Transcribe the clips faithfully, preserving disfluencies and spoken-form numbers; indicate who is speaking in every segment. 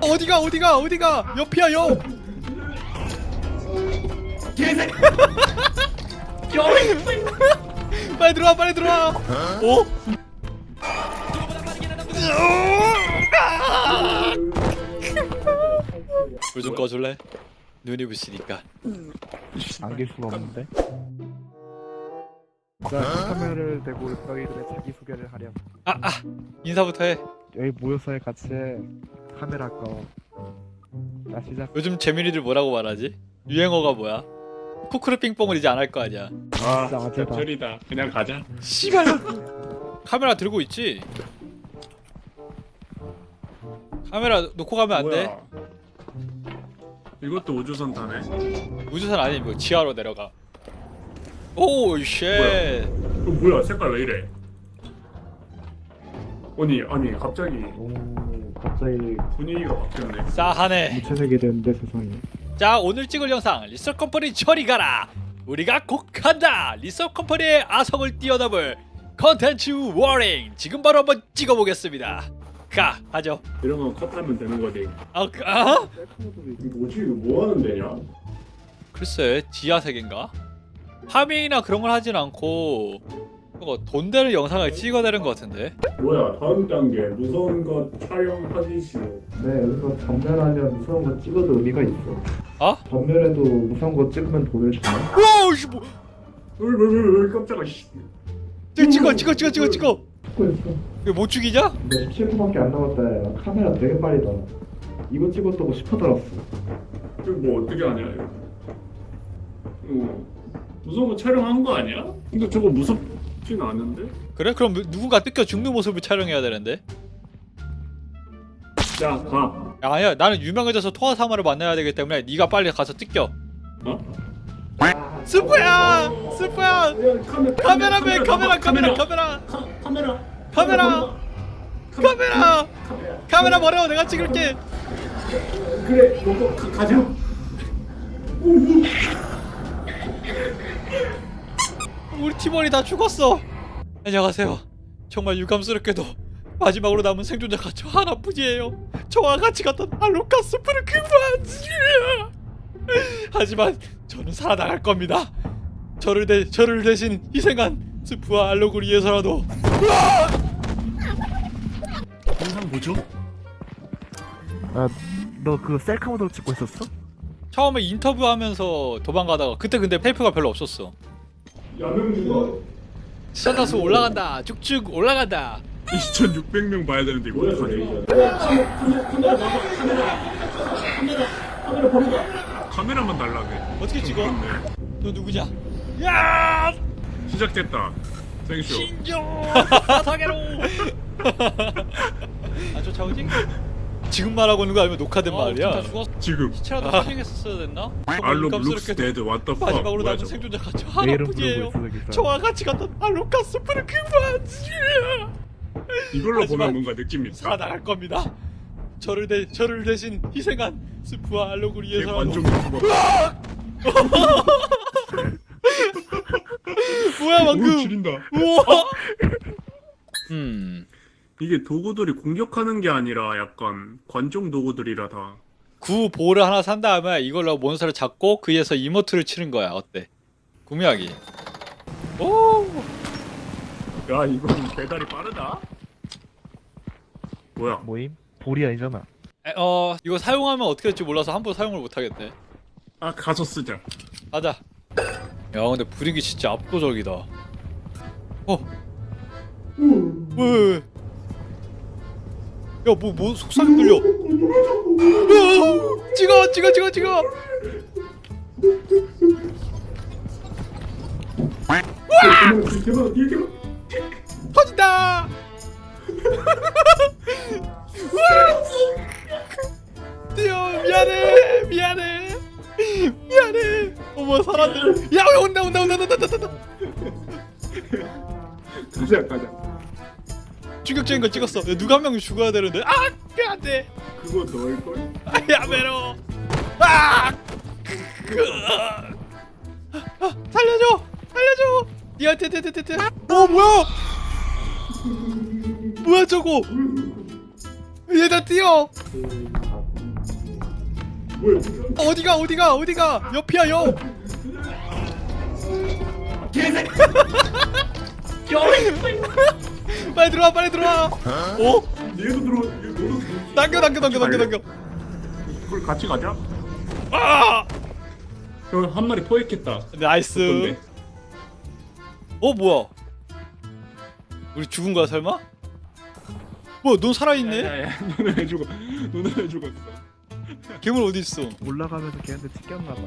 Speaker 1: 어디가 어디가 어디가 옆이야 옆.
Speaker 2: 개새끼.
Speaker 1: 빨리 들어와 빨리 들어와. 어? 불 좀 꺼줄래? 눈이 부시니까.
Speaker 3: 안길 수가 없는데. 자, 카메라를 대고 너희들의 자기 소개를 하렴.
Speaker 1: 아 아 인사부터 해.
Speaker 3: 여기 모여서 같이 카메라 꺼. 자 시작.
Speaker 1: 요즘 재민이들 뭐라고 말하지? 유행어가 뭐야? 쿠쿠르 빙뽕을 이제 안 할 거 아니야.
Speaker 2: 아,
Speaker 3: 진짜 어쩌다.
Speaker 2: 별이다. 그냥 가자.
Speaker 1: 씨발. 카메라 들고 있지? 카메라 놓고 가면 안 돼?
Speaker 2: 뭐야? 이것도 우주선 타네.
Speaker 1: 우주선 아니 뭐 지하로 내려가. 오 쉣.
Speaker 2: 어, 뭐야? 색깔 왜 이래? 아니, 아니 갑자기
Speaker 3: 오 갑자기
Speaker 2: 분위기가 바뀌었네.
Speaker 1: 싸하네.
Speaker 3: 무채색이 되는데 세상에.
Speaker 1: 자 오늘 찍을 영상 리서 컴퍼니 저리 가라. 우리가 곧 간다. 리서 컴퍼니의 아성을 뛰어넘을 컨텐츠 워링. 지금 바로 한번 찍어보겠습니다. 가 하죠.
Speaker 2: 이런 건 컷하면 되는 거지.
Speaker 1: 아, 그, 아?
Speaker 2: 이거 뭐지? 이거 뭐 하는 데냐?
Speaker 1: 글쎄 지하 세계인가? 파밍이나 그런 걸 하진 않고 그거 돈 되는 영상을 찍어내는 것 같은데.
Speaker 2: 뭐야? 다음 단계 무서운 것 촬영하기 싫어.
Speaker 3: 네 여기서 전멸하면 무서운 거 찍어도 의미가 있어.
Speaker 1: 아?
Speaker 3: 전멸해도 무서운 거 찍으면 돈을 주나?
Speaker 1: 오우씨 뭐?
Speaker 2: 왜왜왜 깜짝아. 씨.
Speaker 1: 찍어 찍어 찍어 찍어 찍어.
Speaker 3: 찍고 있어.
Speaker 1: 이거 못 죽이냐?
Speaker 3: 너 십칠 분밖에 안 남았다. 야. 카메라 되게 빠르다. 이거 찍었다고 십 분 들었어.
Speaker 2: 이거 뭐 어떻게 하냐 이거. 어. 무서운 거 촬영한 거 아니야? 근데 저거 무섭진 않은데?
Speaker 1: 그래? 그럼 누군가 뜯겨 죽는 모습을 촬영해야 되는데.
Speaker 2: 자, 가.
Speaker 1: 야, 아니야 나는 유명해져서 토하사마를 만나야 되기 때문에 네가 빨리 가서 뜯겨.
Speaker 2: 어?
Speaker 1: 스프야! 스프야!
Speaker 2: 야, 카메,
Speaker 1: 카메라맨 카메라 카메라 카메라
Speaker 2: 카, 카메라
Speaker 1: 카메라 카메라 카메라 버려 내가 찍을게.
Speaker 2: 그래 너도 가, 가자.
Speaker 1: 우리 팀원이 다 죽었어. 안녕하세요. 정말 유감스럽게도 마지막으로 남은 생존자가 저 하나뿐이에요. 저와 같이 갔던 알로카 스프를 그만. 하지만 저는 살아나갈 겁니다. 저를 대 저를 대신 희생한 스프와 알록을 위해서라도.
Speaker 2: 영상 뭐죠?
Speaker 3: 아너 그 셀카 모드로 찍고 있었어?
Speaker 1: 처음에 인터뷰하면서 도망가다가 그때 근데 테이프가 별로 없었어.
Speaker 2: 야명 누가?
Speaker 1: 시청자 올라간다. 쭉쭉 올라간다.
Speaker 2: 이천육백 명 봐야 되는데 이거 어떡하지? 카메라 카메라 봐봐 카메라 카메라 카메라 봐봐. 카메라만 달라게.
Speaker 1: 어떻게 찍어?
Speaker 2: 그렇네.
Speaker 1: 너 누구냐? 야!
Speaker 2: 시작됐다. 생쇼.
Speaker 1: 신종 사사계로. 안 쫓아오지? 지금 말하고 있는 거 아니면 녹화된 어, 말이야?
Speaker 2: 다
Speaker 1: 죽었어.
Speaker 2: 지금.
Speaker 1: 시체라도 파밍했었어야 됐나?
Speaker 2: 알록 룩스 데드 왓더 팍.
Speaker 1: 마지막으로
Speaker 2: 뭐야
Speaker 1: 남은
Speaker 2: 저거?
Speaker 1: 생존자가 저
Speaker 3: 내 이름
Speaker 1: 하나뿐이에요.
Speaker 3: 부르고 있어 저기.
Speaker 1: 저와 같이 갔던 알로카 스프를 그만.
Speaker 2: 이걸로
Speaker 1: 하지만
Speaker 2: 보면 뭔가 느낌이 있다.
Speaker 1: 살아나갈 겁니다. 저를 대 저를 대신 희생한 스프와 알록을
Speaker 2: 내
Speaker 1: 위해서라도.
Speaker 2: 관종 유튜버.
Speaker 1: 뭐야
Speaker 2: 오
Speaker 1: 방금?
Speaker 2: 지린다.
Speaker 1: 우와. 음.
Speaker 2: 이게 도구들이 공격하는 게 아니라 약간 관종 도구들이라 다.
Speaker 1: 구 볼을 하나 산 다음에 이걸로 몬스터를 잡고 그 위에서 이모트를 치는 거야. 어때? 구매하기. 오.
Speaker 2: 야 이건 배달이 빠르다. 뭐야?
Speaker 3: 모임? 볼이 아니잖아.
Speaker 1: 에, 어 이거 사용하면 어떻게 될지 몰라서 함부로 사용을 못 하겠네.
Speaker 2: 아 가서 쓰자.
Speaker 1: 가자. 야 근데 분위기 진짜 압도적이다. 어. 왜? 야뭐 뭐 속삭임 들려? 야, 찍어 찍어 찍어 찍어.
Speaker 2: 대박 대박.
Speaker 1: 터진다. 뛰어 미안해 미안해 미안해. 어머 사람들. 야 온다 온다 온다 온다 온다 온다.
Speaker 2: 가자 가자.
Speaker 1: 충격적인 걸 찍었어. 야, 누가 한 명 죽어야 되는데. 아 안돼.
Speaker 2: 그거 넣을 걸?
Speaker 1: 야 메로. 아. 아 살려줘 살려줘. 니한테 테테테테. 어 뭐야? 뭐야 저거? 얘다 뛰어.
Speaker 2: 뭐야?
Speaker 1: 어디가 어디가 어디가 옆이야 옆.
Speaker 2: 개새끼.
Speaker 1: 빨리 들어와 빨리 들어와. 오
Speaker 2: 얘도 들어. 얘 너도 들어.
Speaker 1: 당겨 당겨 당겨 당겨 당겨.
Speaker 2: 그걸 같이 가자.
Speaker 1: 아
Speaker 2: 형한 마리 포획했다.
Speaker 1: 나이스.
Speaker 2: 어떤데?
Speaker 1: 어 뭐야? 우리 죽은 거야 설마? 뭐야 넌 살아있네?
Speaker 2: 야야야, 너는 왜 죽어? 너는 왜 죽었어?
Speaker 1: 괴물 어디 있어?
Speaker 3: 올라가면서 걔한테 튀겼나봐.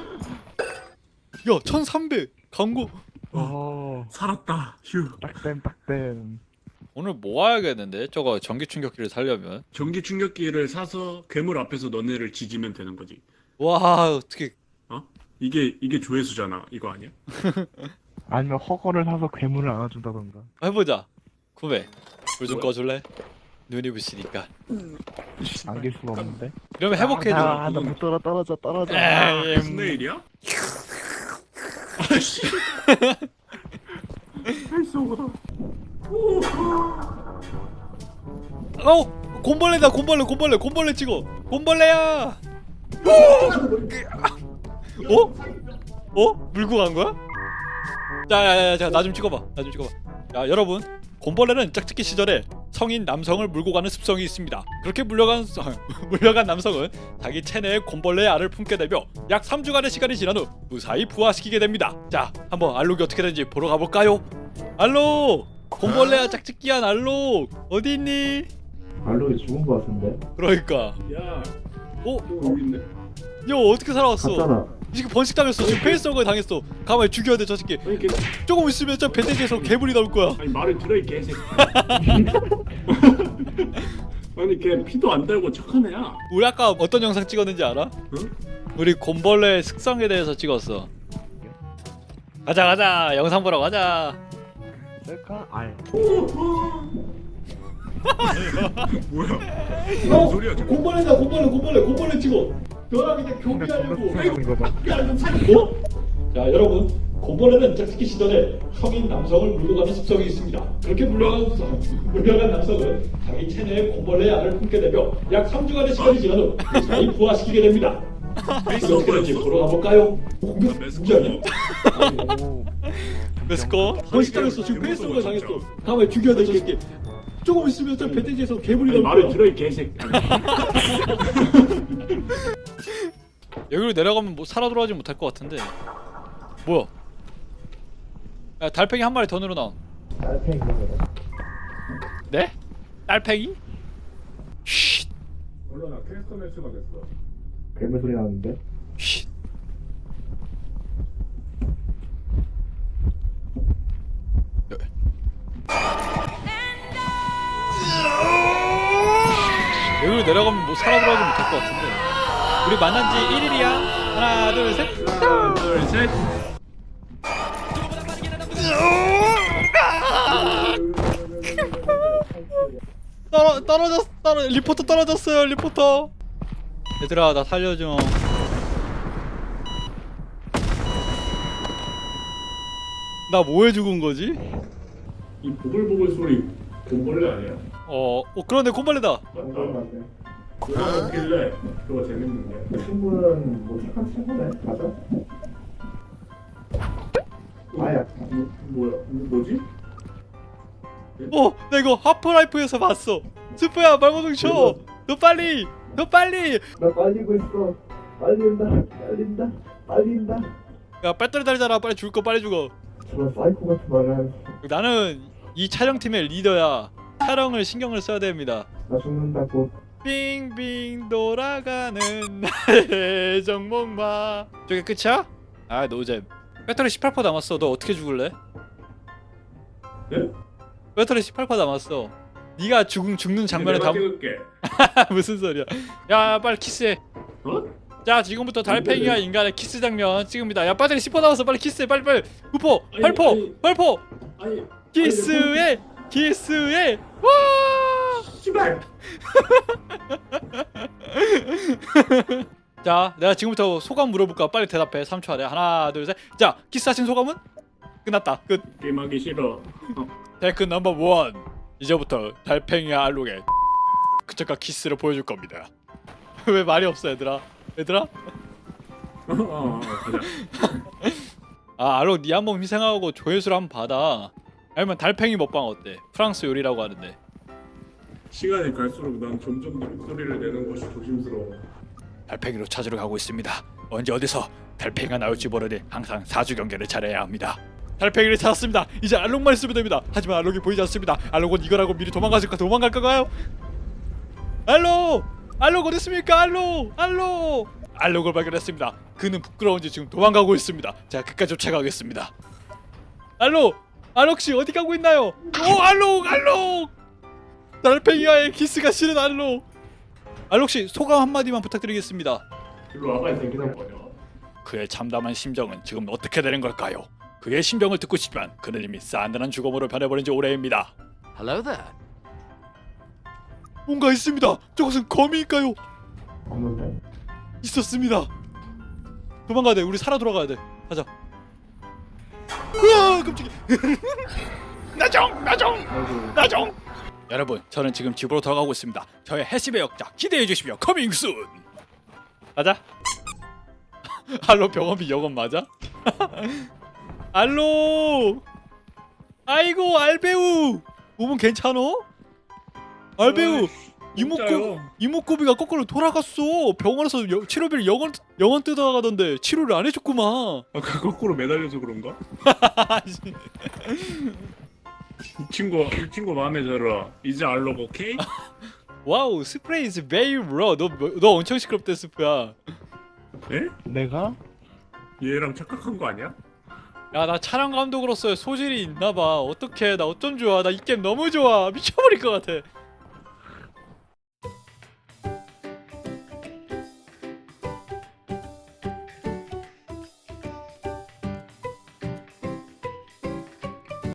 Speaker 1: 야 천삼백 광고.
Speaker 3: 어.
Speaker 2: 살았다. 휴.
Speaker 3: 딱댐 딱댐.
Speaker 1: 오늘 모아야겠는데 저거 전기 충격기를 살려면.
Speaker 2: 전기 충격기를 사서 괴물 앞에서 너네를 지지면 되는 거지.
Speaker 1: 와 어떻게?
Speaker 2: 어? 이게 이게 조회수잖아. 이거 아니야?
Speaker 3: 아니면 허거를 사서 괴물을 안아준다던가.
Speaker 1: 해보자. 구매. 불 좀
Speaker 2: 뭐야?
Speaker 1: 꺼줄래? 눈이 부시니까.
Speaker 3: 안길 수가 없는데.
Speaker 1: 이러면 회복해줘.
Speaker 3: 아, 나못 떨어 떨어져 떨어져.
Speaker 1: 에이,
Speaker 2: 무슨 일이야? 아씨. 헬소가.
Speaker 1: 어 곰벌레다 곰벌레 곰벌레 곰벌레 찍어. 곰벌레야. 어? 어? 물고 간 거야? 자야야야 자 나 좀 찍어봐 나 좀 찍어봐. 자 여러분 곰벌레는 짝짓기 시절에 성인 남성을 물고 가는 습성이 있습니다. 그렇게 물려간 물려간 남성은 자기 체내에 곰벌레의 알을 품게 되며 약 삼 주간의 시간이 지난 후 무사히 부화시키게 됩니다. 자 한번 알록이 어떻게 되는지 보러 가볼까요? 알록 곰벌레야 짝짓기한 알록 어디 있니?
Speaker 3: 알록이 죽은 거 같은데.
Speaker 1: 그러니까
Speaker 2: 야,
Speaker 1: 어?
Speaker 2: 또 여기 있네.
Speaker 1: 야 어떻게 살아왔어?
Speaker 3: 갔잖아.
Speaker 1: 이 새끼 번식 당했어. 지금 페이스허그 당했어. 가만히 죽여야 돼 저 새끼.
Speaker 2: 아니 걔,
Speaker 1: 조금 있으면 저 배대기에서 괴물이 나올 거야.
Speaker 2: 아니 말을 들어 이 개새끼. 아니 걔 피도 안 달고 착한 애야.
Speaker 1: 우리 아까 어떤 영상 찍었는지 알아?
Speaker 2: 응?
Speaker 1: 우리 곰벌레의 습성에 대해서 찍었어. 가자 가자 영상 보러 가자.
Speaker 3: 셀카? 아예.
Speaker 2: 뭐야? 무슨 소리야 지금?
Speaker 1: 곰벌레다 곰벌레 곰벌레 곰벌레 찍어. 너랑 그냥
Speaker 3: 생각하는 거 봐.
Speaker 1: 어? 자 여러분 곰벌레는 짝짓기 시절에 성인 남성을 물고 가는 습성이 있습니다. 그렇게 물려간 물려간 남성은 자기 체내에 곰벌레의 알을 품게 되며 약 삼 주간의 시간이 지난 후 무사히 부화시키게 됩니다. 어떻게 되는지 보러 가볼까요? 공격 누구야?
Speaker 3: 오.
Speaker 1: 메스꺼? 번식 당했어. 지금 페이스허그 당했어. 다음에 죽여야 돼 저 새끼. 조금 있으면 저 배대지에서 괴물이
Speaker 2: 아니
Speaker 1: 나올
Speaker 2: 말을
Speaker 1: 거야.
Speaker 2: 들어 이 개새끼.
Speaker 1: 여기로 내려가면 뭐 살아 돌아오지 못할 것 같은데. 뭐야? 야 달팽이 한 마리 더 늘어나.
Speaker 3: 달팽이 그거.
Speaker 1: 네? 달팽이? 쉿.
Speaker 2: 몰라 나 캐스터 매스가 됐어.
Speaker 3: 괴물 소리 나는데.
Speaker 1: 쉿. 여기로 내려가면 뭐 살아 돌아오지 못할 것 같은데. 우리 만난 지 일 일이야. 하나 둘 셋.
Speaker 2: 하나 둘 셋.
Speaker 1: 떨어 떨어졌 떨어 리포터 떨어졌어요 리포터. 얘들아 나 살려줘. 나 뭐해 죽은 거지?
Speaker 2: 이 보글보글 소리 곰벌레 아니야?
Speaker 1: 어, 어 그런데 곰벌레다.
Speaker 2: 맞다. 그거 먹길래 그거 재밌는데.
Speaker 3: 친구는 뭐 착한 친구네. 맞아. 아야.
Speaker 2: 뭐, 뭐야? 뭐지?
Speaker 1: 어, 나 이거 하프라이프에서 봤어. 스프야 말모동 쳐. 너 빨리, 너 빨리.
Speaker 3: 나 빨리고 있어. 빨린다. 빨린다. 빨린다.
Speaker 1: 야 배터리 달잖아. 빨리 죽을 거 빨리 죽어.
Speaker 3: 저런 사이코 같은 말을.
Speaker 1: 나는 이 촬영팀의 리더야. 촬영을 신경을 써야 됩니다.
Speaker 3: 나 죽는다고.
Speaker 1: 빙빙 돌아가는 나의 정목마. 저게 끝이야? 아 노잼. 배터리 십팔 퍼센트 남았어. 너 어떻게 죽을래?
Speaker 2: 네?
Speaker 1: 배터리 십팔 퍼센트 남았어. 네가 죽, 죽는 장면을
Speaker 2: 내가
Speaker 1: 담...
Speaker 2: 찍을게.
Speaker 1: 무슨 소리야. 야 빨리 키스해.
Speaker 2: 어?
Speaker 1: 자 지금부터 달팽이와 인간의 키스 장면 찍습니다. 야 배터리 십 퍼센트 남았어. 빨리 키스해. 빨리 빨리. 구 퍼, 팔 퍼,
Speaker 2: 아니.
Speaker 1: 팔 퍼.
Speaker 2: 아니.
Speaker 1: 키스해. 키스해. 와.
Speaker 2: 씨발.
Speaker 1: 자 내가 지금부터 소감 물어볼까. 빨리 대답해. 삼 초 안에. 하나 둘 셋. 자 키스하신 소감은? 끝났다. 끝.
Speaker 2: 게임하기 싫어. 어.
Speaker 1: 테크 넘버 원. 이제부터 달팽이와 알록의 그쪽과 키스를 보여줄 겁니다. 왜 말이 없어 얘들아? 얘들아?
Speaker 2: 어, 어, 어, 가자.
Speaker 1: 아 알로 니 한번 희생하고 조회수를 한번 받아. 아니면 달팽이 먹방 어때? 프랑스 요리라고 하는데.
Speaker 2: 시간이 갈수록 난 점점 더 목소리를 내는 것이 조심스러워.
Speaker 1: 달팽이로 찾으러 가고 있습니다. 언제 어디서 달팽이가 나올지 모르니 항상 사주 경계를 잘해야 합니다. 달팽이를 찾았습니다. 이제 알록만 있으면 됩니다. 하지만 알록이 보이지 않습니다. 알록은 이거라고 미리 도망가실까 도망갈 건가요? 알록! 알록 어디 있습니까? 알록! 알록! 알록을 발견했습니다. 그는 부끄러운지 지금 도망가고 있습니다. 제가 끝까지 쫓아가겠습니다. 알록! 알록 씨 어디 가고 있나요? 오 알록! 알록! 달팽이와의 키스가 싫은 알록! 알록 씨 소감 한마디만 부탁드리겠습니다.
Speaker 2: 일로 와봐 이 새끼 뭐냐?
Speaker 1: 그의 참담한 심정은 지금 어떻게 되는 걸까요? 그의 심정을 듣고 싶지만 그는 이미 싼단한 죽음으로 변해버린 지 오래입니다.
Speaker 4: Hello there.
Speaker 1: 뭔가 있습니다. 저것은 거미일까요?
Speaker 3: 없는데?
Speaker 1: 있었습니다. 도망가야 돼. 우리 살아 돌아가야 돼. 가자. 우와 깜짝이야. 나정 나정 나정. 여러분 저는 지금 집으로 돌아가고 있습니다. 저의 해시의 역자 기대해 주시며 커밍 순. 가자. 알로 병원비 여건 맞아? 알로. 아이고 알배우. 몸은 괜찮어? 알배우. 이목구 이목구비가 거꾸로 돌아갔어. 병원에서 여, 치료비를 영원 영원 뜯어가던데 치료를 안 해줬구만.
Speaker 2: 아까 거꾸로 매달려서 그런가? 이 친구 이 친구 마음에 들어. 이제 알록 오케이?
Speaker 1: 와우 스프레이 is very raw. 너 너 엄청 시끄럽대 스프야.
Speaker 2: 에?
Speaker 3: 내가?
Speaker 2: 얘랑 착각한 거 아니야?
Speaker 1: 야 나 촬영 감독으로서의 소질이 있나봐. 어떡해 나 어쩜 좋아. 나 이 게임 너무 좋아. 미쳐버릴 것 같아.